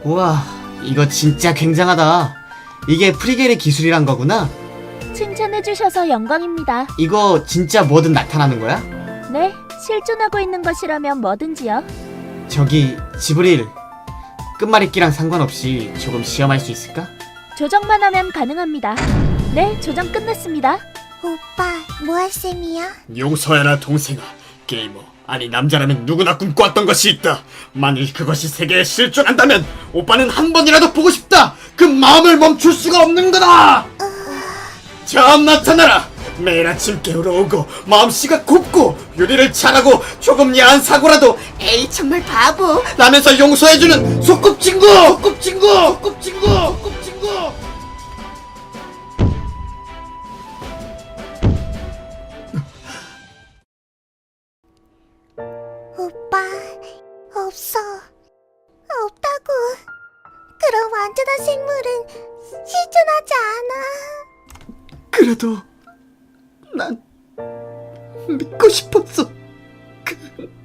우와, 이거 진짜 굉장하다. 이게 프리겔의 기술이란 거구나? 칭찬해주셔서 영광입니다. 이거 진짜 뭐든 나타나는 거야? 네, 실존하고 있는 것이라면 뭐든지요. 저기, 지브릴. 끝말잇기랑 상관없이 조금 시험할 수 있을까? 조정만 하면 가능합니다. 네, 조정 끝냈습니다. 오빠, 뭐 할 셈이야? 용서해라 동생아. 게이머 아니 남자라면 누구나 꿈꿔왔던 것이 있다. 만일 그것이 세계에 실존한다면 오빠는 한 번이라도 보고 싶다. 그 마음을 멈출 수가 없는 거다. 자 나타나라. 매일 아침 깨우러 오고 마음씨가 곱고 요리를 잘하고 조금 야한 사고라도 에이 정말 바보 라면서 용서해주는 소꿉친구. 소꿉친구. 소꿉친구. 소꿉친구. 오빠, 없어. 없다고. 그런 완전한 생물은 실존하지 않아. 그래도 난 믿고 싶었어.